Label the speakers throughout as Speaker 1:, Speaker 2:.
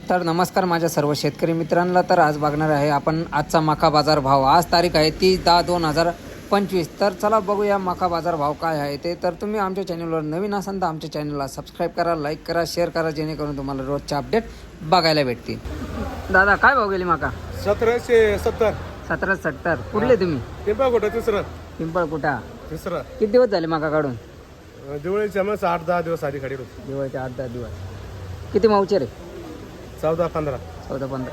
Speaker 1: तर नमस्कार माझ्या सर्व शेतकरी मित्रांना। तर आज बघणार आहे आपण आजचा मका बाजार भाव। आज तारीख आहे 30/10/2025। तर चला बघूया मका बाजार भाव काय आहे ते। तर तुम्ही आमच्या चॅनलवर नवीन असाल तर आमच्या चॅनलला सबस्क्राइब करा, लाईक करा, शेअर करा, जेणेकरून तुम्हाला रोजचे अपडेट बघायला भेटतील। दादा काय भाव गेली मका?
Speaker 2: 1770.
Speaker 1: 1770। कुठले तुम्ही?
Speaker 2: पिंपळकुटा तिसरं.
Speaker 1: पिंपळकुटा
Speaker 2: तिसरं.
Speaker 1: किती दिवस झाले मका काढून?
Speaker 2: दिवाळीच्या मग 8-10 दिवस आधी खाडी होती.
Speaker 1: दिवाळीचे 8-10 दिवस। किती मावचे रे?
Speaker 2: 14-15.
Speaker 1: 14-15।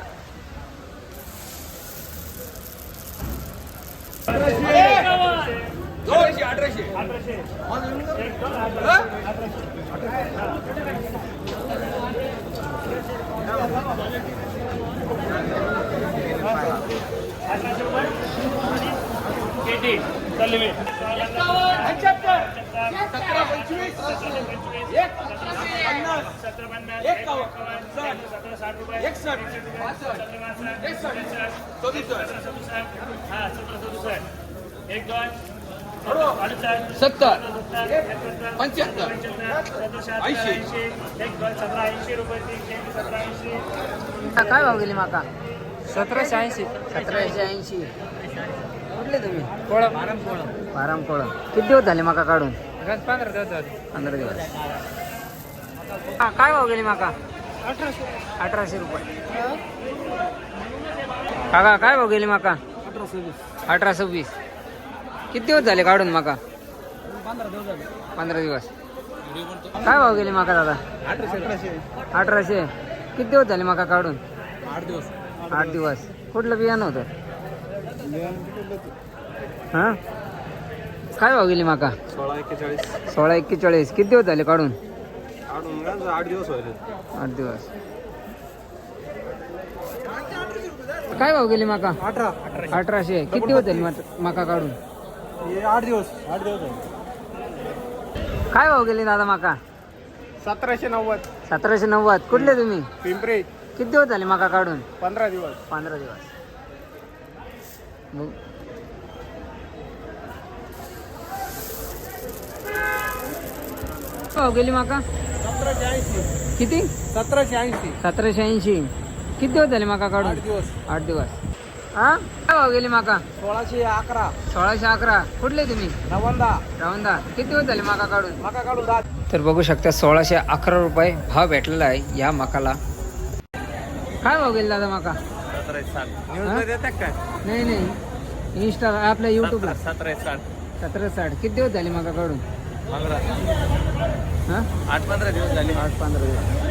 Speaker 1: काय भाव गेली माका?
Speaker 3: 1780.
Speaker 1: 1780। कुठले तुम्ही?
Speaker 3: कोळा
Speaker 1: पारमकोळ। किती दिवस झाले माका काढून?
Speaker 3: 15 दिवस झाले.
Speaker 1: 15 दिवस। काय भाव गेली माका? 1800 रुपये। काका काय भाव गेली माका? 1820। किती दिवस झाले काढून माका? 15 दिवस। काय भाव गेली माका दादा? 1800। किती दिवस झाले माका काढून? 8 दिवस। कुठलं बियाणं होतं? हां काय भाव गेली माका?
Speaker 2: 16-41.
Speaker 1: 16-41। किती दिवस झाले काढून?
Speaker 2: 8 दिवस व्हायले.
Speaker 1: 8 दिवस। काय भाव गेली माका? 1800। किती दिवस झाले माका काढून?
Speaker 2: 8 दिवस. 8 दिवस झाले.
Speaker 1: काय भाव गेली दादा माका?
Speaker 2: 1790.
Speaker 1: 1790। कुठले तुम्ही?
Speaker 2: पिंपरी.
Speaker 1: किती दिवस झाले माका काढून?
Speaker 2: 15 दिवस.
Speaker 1: 15 दिवस। भाव गेली माका?
Speaker 2: 1780.
Speaker 1: किती?
Speaker 2: 1780.
Speaker 1: 1780। किती दिवस झाले माका काढून?
Speaker 2: 8 दिवस.
Speaker 1: 8 दिवस। हा काय भाव गेली माका?
Speaker 2: 1611.
Speaker 1: 1611। कुठले तुम्ही?
Speaker 2: नवंदा.
Speaker 1: रावंदा। किती दिवस झाले माका काढून?
Speaker 2: मका काढून 10.
Speaker 1: तर बघू शकता 1611 रुपये भाव भेटलेला आहे या मकाला। काय भाव गेला दादा मका?
Speaker 2: 1760.
Speaker 1: हा?
Speaker 2: न्यूजला देतात काय?
Speaker 1: नाही नाही, इंस्टा आपल्या यूट्यूबला
Speaker 2: 1760.
Speaker 1: 1760। किती दिवस झाले मका काढून?
Speaker 2: 15.
Speaker 1: हां
Speaker 2: 8-15 दिवस झाले.
Speaker 1: 8-15 दिवस।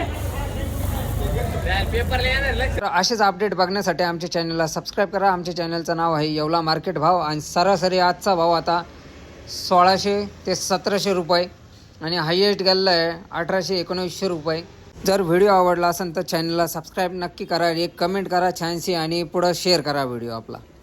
Speaker 1: तर असेच अपडेट बघण्यासाठी आमच्या चॅनलला सबस्क्राईब करा। आमच्या चॅनलचं नाव आहे येवला मार्केट भाव आणि सरासरी आजचा भाव आता 1600 ते 1700 रुपये आणि हायएस्ट गेलेला आहे 1800-1900 रुपये। जर व्हिडिओ आवडला असेल तर चॅनलला सबस्क्राईब नक्की करा, एक कमेंट करा छानशी आणि पुढं शेअर करा व्हिडिओ आपला।